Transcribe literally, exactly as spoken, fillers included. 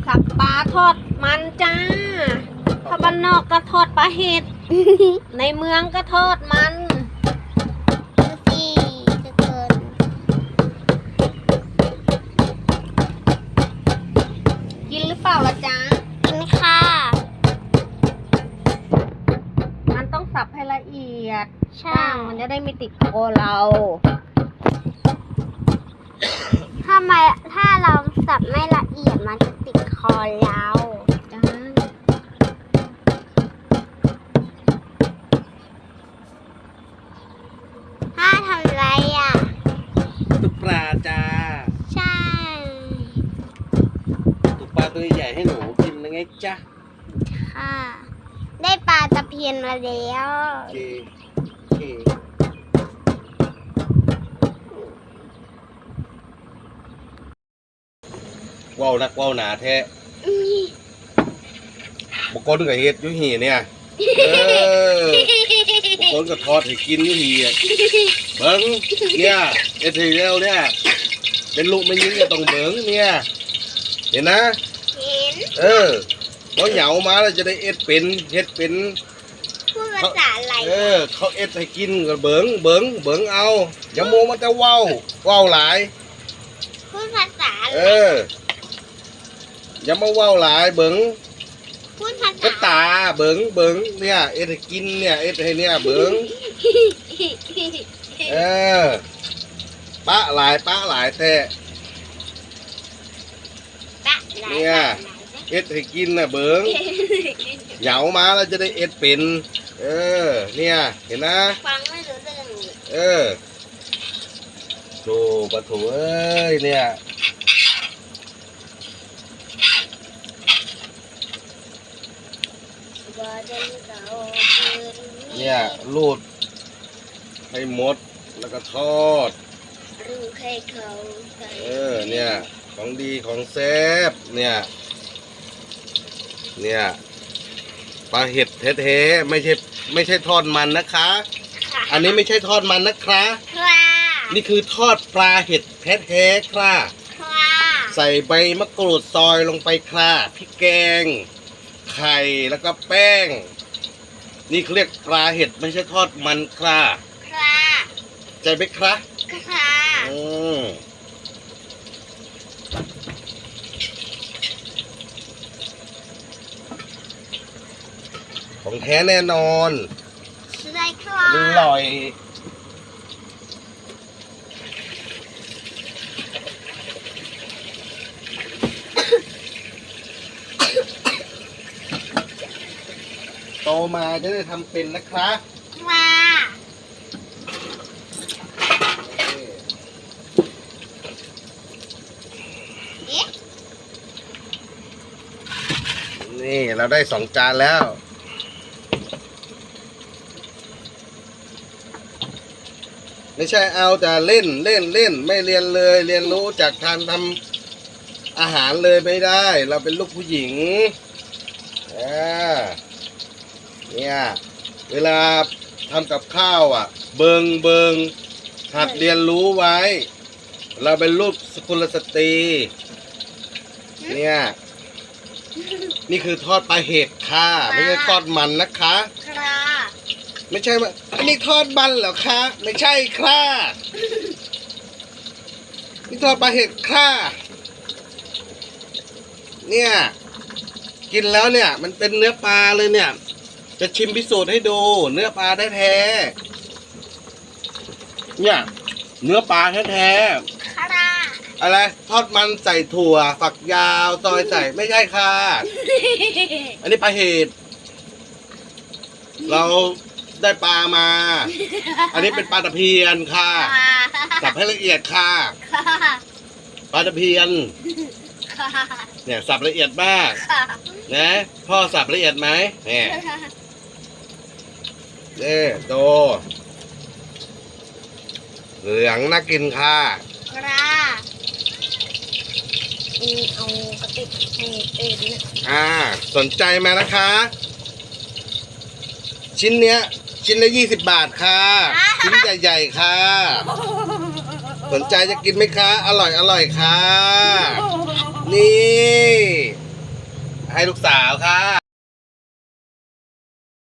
สับปลาทอดมันจ้าถ้าบ้านนอกก็ทอดปลาเห็ด ในเมืองก็ทอดมันดูสิทุกคนกินหรือเปล่าล่ะจ๊ะกินค่ะมันต้องสับให้ละเอียดใช่มันจะได้ไม่ติดคอเราถ้าไม่ถ้าเราสับไม่ละเอียดมันจะติดคอเราจ้าถ้าทำไรอ่ะตุกปลาจ้าใช่ตุกปลาตัวใหญ่ให้หนูกินนะไงจ๊ะค่ะได้ปลาตะเพียนมาแล้วโอเคโอเคว้าวนักว้าวหนาแท้บางคนก็เฮ็ดยุหีเนี่ยเออบางคนก็ทอดให้กินยุหีอ่ะเบิ้งเนี่ยเอ็ดทีแล้วเนี่ยเป็นลูกไม่ยิงก็ต้องเบิ้งเนี่ยเห็นนะเห็นเออพอเหยามาแล้วจะได้เอ็ดเป็นเฮ็ดเป็นพูดภาษาอะไรเออเขาเอ็ดให้กินก็เบิ้งเบิ้งเบิ้งเอาอย่าโมมันจะว้าวว้าวหลายพูดภาษาอะไรเอออย่ามาว้าวหลายเบิ้งพูดภาษาก็ตาเบิ้งเบิ้งเนี่ยเอ็ดให้กินเนี่ยเอ็ดให้เนี่ยเบิ้งเออปะหลายปะหลายแท้เนี่ยเอ็ดให้กินน่ะเบิ้งเหยามาแล้วจะได้เอ็ดเป็นเออเนี่ยเห็นนะฟังไม่รู้เรื่องเออโธ่ปะโถเอ้ยเนี่ยเนี่ยรูดให้หมดแล้วก็ทอดรูดให้เขาเออเนี่ยของดีของแซ่บเนี่ยเนี่ยปลาเห็ดแท้ๆไม่ใช่ไม่ใช่ทอดมันนะคะอันนี้ไม่ใช่ทอดมันนะคะนี่คือทอดปลาเห็ดแท้ๆค่ะใส่ใบมะกรูดซอยลงไปค่ะพริกแกงไข่แล้วก็แป้งนี่เขาเรียกปลาเห็ดไม่ใช่ทอดมันค่ะใจไหมคะค่ะอืมของแท้แน่นอนใช่ค่ะอร่อยโตมาจะได้ทำเป็นนะคะค่ะนี่เราได้สองจานแล้วไม่ใช่เอาแต่เล่นเล่นเล่นไม่เรียนเลยเรียนรู้จากการทำอาหารเลยไม่ได้เราเป็นลูกผู้หญิงอ่าเนี่ยเวลาทำกับข้าวอ่ะเบิงเบิงหัดเรียนรู้ไว้เราเป็นลูกสกุลสตรีเนี่ยนี่คือทอดปลาเห็ดค่ะไม่ใช่ทอดมันนะคะไม่ใช่ว่าอันนี้ทอดมันเหรอคะไม่ใช่ค่ะนี่ทอดปลาเห็ดค่ะเนี่ยกินแล้วเนี่ยมันเป็นเนื้อปลาเลยเนี่ยจะชิมพิสูจน์ให้ดูเนื้อปลาแท้ๆเนี่ยเนื้อปลาแท้ๆอะไรทอดมันใส่ถั่วฝักยาวซอยใส่ไม่ใช่ค่ะอันนี้ปลาเห็ดเราได้ปลามาอันนี้เป็นปลาตะเพียนค่ะสับให้ละเอียดค่ะปลาตะเพียนเนี่ยสับละเอียดมากนะพ่อสับละเอียดไหมเนี่ยนี่ดูเหลืองน่ากินค่ะเอากระติกให้เอ็นอ่าสนใจไหมนะคะชิ้นเนี้ยชิ้นละยี่สิบบาทค่ะชิ้นใหญ่ๆค่ะสนใจจะกินไหมคะอร่อยอร่อยค่ะนี่ให้ลูกสาวค่ะ